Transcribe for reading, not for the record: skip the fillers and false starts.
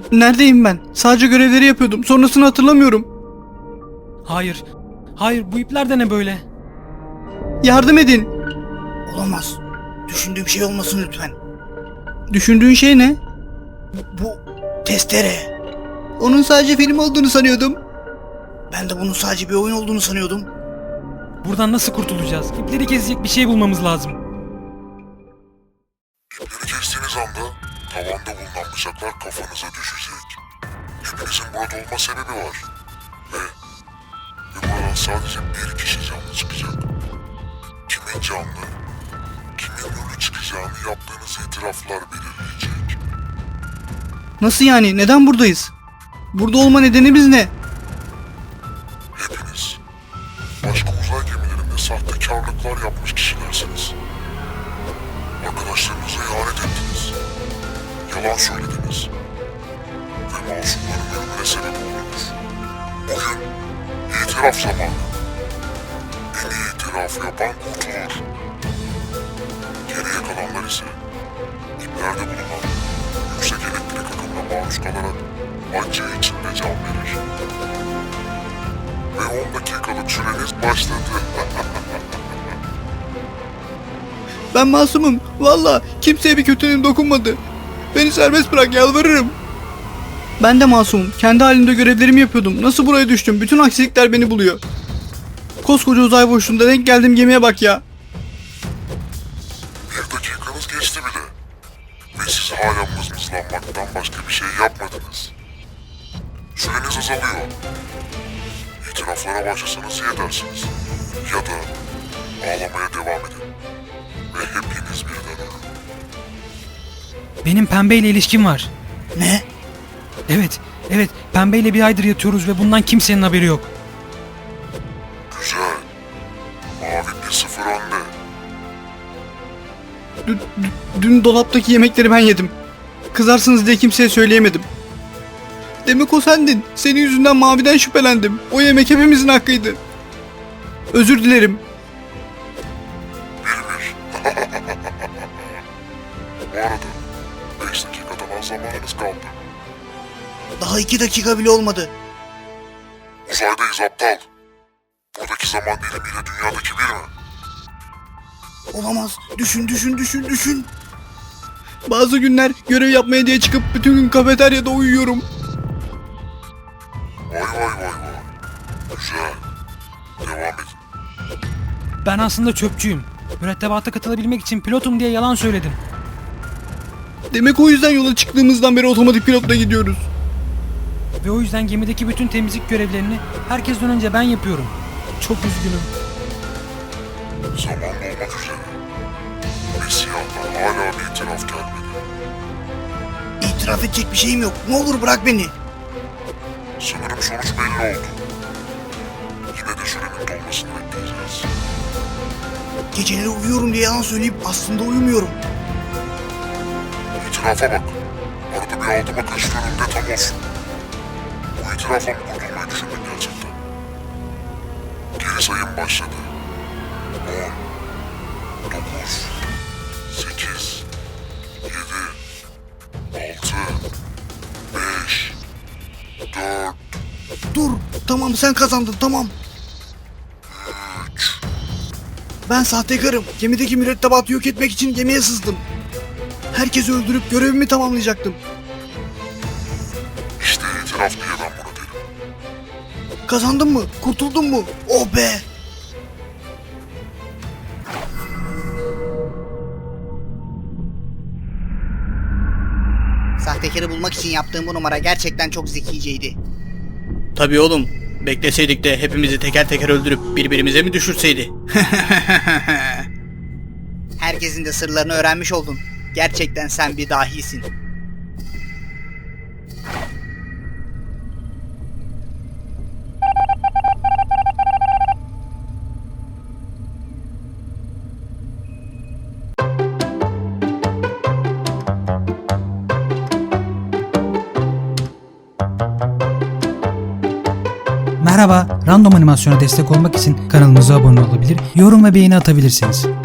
Neredeyim ben? Sadece görevleri yapıyordum. Sonrasını hatırlamıyorum. Hayır. Hayır, bu ipler de ne böyle? Yardım edin. Olamaz. Düşündüğüm şey olmasın lütfen. Düşündüğün şey ne? Bu testere. Onun sadece film olduğunu sanıyordum. Ben de bunun sadece bir oyun olduğunu sanıyordum. Buradan nasıl kurtulacağız? İpleri kesecek bir şey bulmamız lazım. İpleri kestiğiniz anda tavanda bulunan bıçaklar kafanıza düşecek. Hepinizin burada olma sebebi var. Ve buradan sadece bir kişi canlı çıkacak. Kimin canlı, kimin ölü çıkacağını yaptığınız itiraflar belirleyecek. Nasıl yani? Neden buradayız? Burada olma nedenimiz ne? Hepiniz başka uzay gemilerinde sahtekarlıklar yapmış kişilersiniz. Arkadaşlarınıza ihanet ettiniz. Yalan söylediniz. Ve masumların ölümüne sebep oldunuz. Bugün itiraf zamanı. En iyi itiraf yapan kurtulur. Geriye kalanlar ise iplerde bulunan yüksek elektrik akımına maruz kalarak acı içinde can verir. Ve 10 dakikalık süreniz başladı. Ben masumum. Valla kimseye bir kötülüğüm dokunmadı. Beni serbest bırak, yalvarırım. Ben de masumum. Kendi halimde görevlerimi yapıyordum. Nasıl buraya düştüm? Bütün aksilikler beni buluyor. Koskoca uzay boşluğunda denk geldiğim gemiye bak ya. Bir dakikanız geçti bile. Ve siz hala mızmızlanmaktan başka bir şey yapmadınız. Süreniz azalıyor. İtiraflara başlasanız iyi edersiniz. Ya da ağlamaya devam edin. Ve hepiniz birden ölün. Benim pembeyle ilişkim var. Ne? Evet, pembeyle bir aydır yatıyoruz ve bundan kimsenin haberi yok. Güzel. Mavi 1-0 önde. Dün dolaptaki yemekleri ben yedim. Kızarsınız diye kimseye söyleyemedim. Demek o sendin. Senin yüzünden Mavi'den şüphelendim. O yemek hepimizin hakkıydı. Özür dilerim. 1-1. Bu arada 5 dakikadan az zamanınız kaldı. Daha 2 dakika bile olmadı. Uzaydayız aptal. Buradaki zaman dilimiyle dünyadaki bir mi? Olamaz. Düşün. Bazı günler görev yapmaya diye çıkıp bütün gün kafeteryada uyuyorum. Vay. Güzel. Devam edin. Ben aslında çöpçüyüm. Mürettebata katılabilmek için pilotum diye yalan söyledim. Demek o yüzden yola çıktığımızdan beri otomatik pilotla gidiyoruz. Ve o yüzden gemideki bütün temizlik görevlerini herkesten önce ben yapıyorum. Çok üzgünüm. Zaman dolmak üzere. Ve siyahtan hala bir itiraf gelmedi. İtiraf edecek bir şeyim yok. Ne olur bırak beni. Sanırım sonuç belli oldu. Yine de sürenin dolmasını bekleyeceğiz. Geceleri uyuyorum diye yalan söyleyip aslında uyumuyorum. İtirafa bak. Arada bir altıma kaçıyorum de tam olsun. Bu itirafla mı kurtulmayı düşündün gerçekten? Geri sayım başladı. 10, 9, 8, 7, 6, 5, 4, Dur. Tamam sen kazandın tamam. 3. Ben sahtekarım. Gemideki mürettebatı yok etmek için gemiye sızdım. Herkesi öldürüp görevimi tamamlayacaktım. İşte itiraf diye ben buna derim. Kazandın mı? Kurtuldun mu? Oh be! Sahtekarı bulmak için yaptığım bu numara gerçekten çok zekiceydi. Tabii oğlum. Bekleseydik de hepimizi teker teker öldürüp birbirimize mi düşürseydi? Herkesin de sırlarını öğrenmiş oldun. Gerçekten sen bir dahisin. Merhaba, Random Animasyon'a destek olmak için kanalımıza abone olabilir, yorum ve beğeni atabilirsiniz.